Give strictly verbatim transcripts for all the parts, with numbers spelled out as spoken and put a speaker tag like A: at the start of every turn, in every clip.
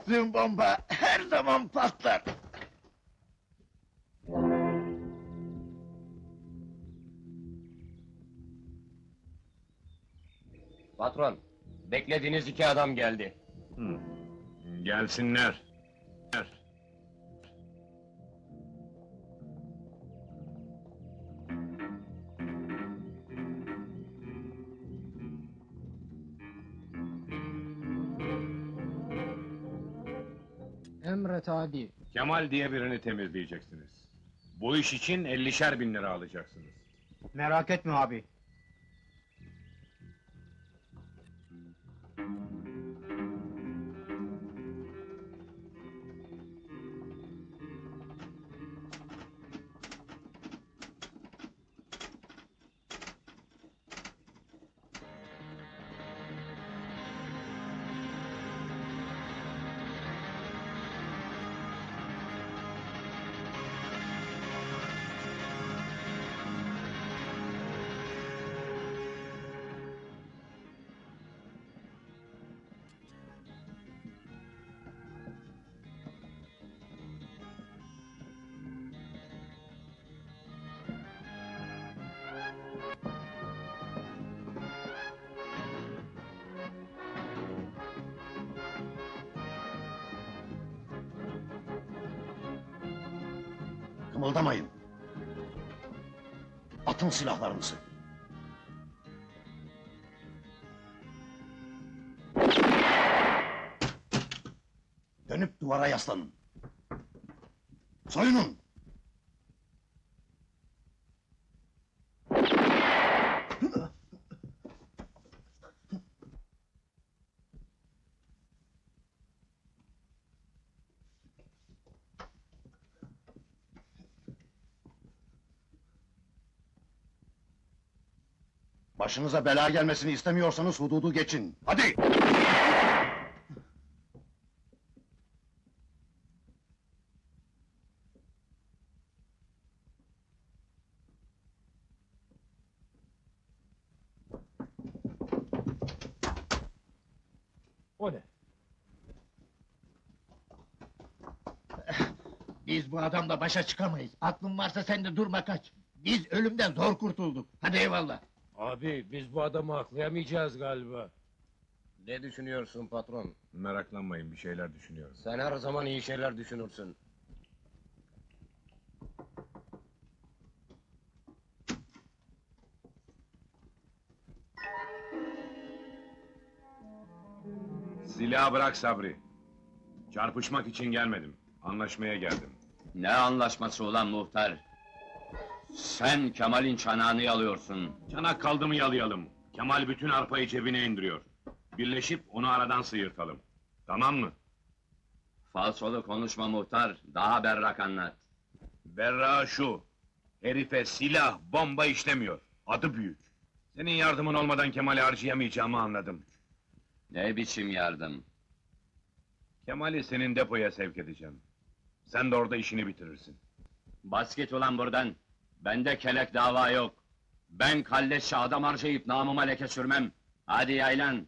A: Attığım bomba her zaman patlar.
B: Patron, beklediğiniz iki adam geldi.
C: Hı. Gelsinler.
D: Emret abi.
C: Kemal diye birini temizleyeceksiniz. Bu iş için ellişer bin lira alacaksınız.
D: Merak etme abi.
A: Kımıldamayın. Atın silahlarınızı. Dönüp duvara yaslanın. Soyunun! Başınıza bela gelmesini istemiyorsanız hududu geçin. Hadi!
D: O ne?
A: Biz bu adamla başa çıkamayız. Aklın varsa sen de durma kaç. Biz ölümden zor kurtulduk. Hadi eyvallah.
E: Abi biz bu adamı aklayamayacağız galiba.
B: Ne düşünüyorsun patron?
C: Meraklanmayın, bir şeyler düşünüyorum.
B: Sen her zaman iyi şeyler düşünürsün.
C: Silahı bırak Sabri. Çarpışmak için gelmedim. Anlaşmaya geldim.
B: Ne anlaşması ulan muhtar? Sen Kemal'in çanağını yalıyorsun.
C: Çanak kaldı mı yalayalım. Kemal bütün arpayı cebine indiriyor. Birleşip onu aradan sıyırtalım. Tamam mı?
B: Falsolu konuşma muhtar, daha berrak anlat.
C: Berra şu. Herife silah, bomba işlemiyor. Adı büyük. Senin yardımın olmadan Kemal'i harcayamayacağımı anladım.
B: Ne biçim yardım?
C: Kemal'i senin depoya sevk edeceğim. Sen de orada işini bitirirsin.
B: Bas git ulan buradan. Bende kelek dava yok. Ben kalleşçe adam harcayıp namıma leke sürmem. Hadi yaylan.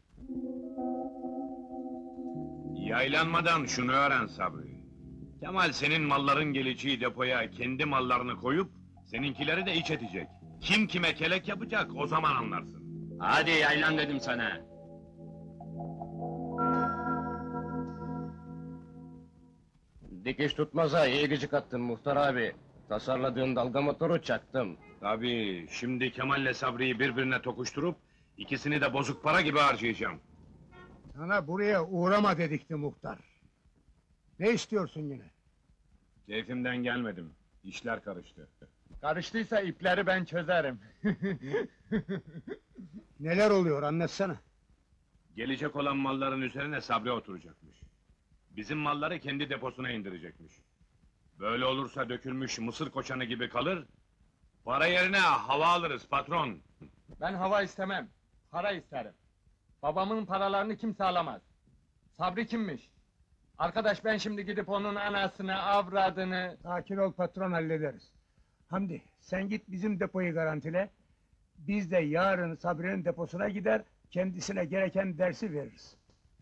C: Yaylanmadan şunu öğren Sabri. Kemal senin malların geleceği depoya kendi mallarını koyup seninkileri de iç edecek. Kim kime kelek yapacak o zaman anlarsın.
B: Hadi yaylan dedim sana. Dikiş tutmaza iyi gıcık attın muhtar abi. Tasarladığın dalga motoru çaktım.
C: Tabii şimdi Kemal'le Sabri'yi birbirine tokuşturup ikisini de bozuk para gibi harcayacağım.
D: Sana buraya uğrama dedikti muhtar. Ne istiyorsun yine?
C: Keyfimden gelmedim. İşler karıştı.
D: Karıştıysa ipleri ben çözerim. Neler oluyor anlatsana.
C: Gelecek olan malların üzerine Sabri oturacakmış. Bizim malları kendi deposuna indirecekmiş. Böyle olursa dökülmüş mısır koçanı gibi kalır, para yerine hava alırız patron.
F: Ben hava istemem, para isterim. Babamın paralarını kimse alamaz. Sabri kimmiş? Arkadaş ben şimdi gidip onun anasını, avradını...
D: Sakin ol patron hallederiz. Hamdi sen git bizim depoyu garantile. Biz de yarın Sabri'nin deposuna gider, kendisine gereken dersi veririz.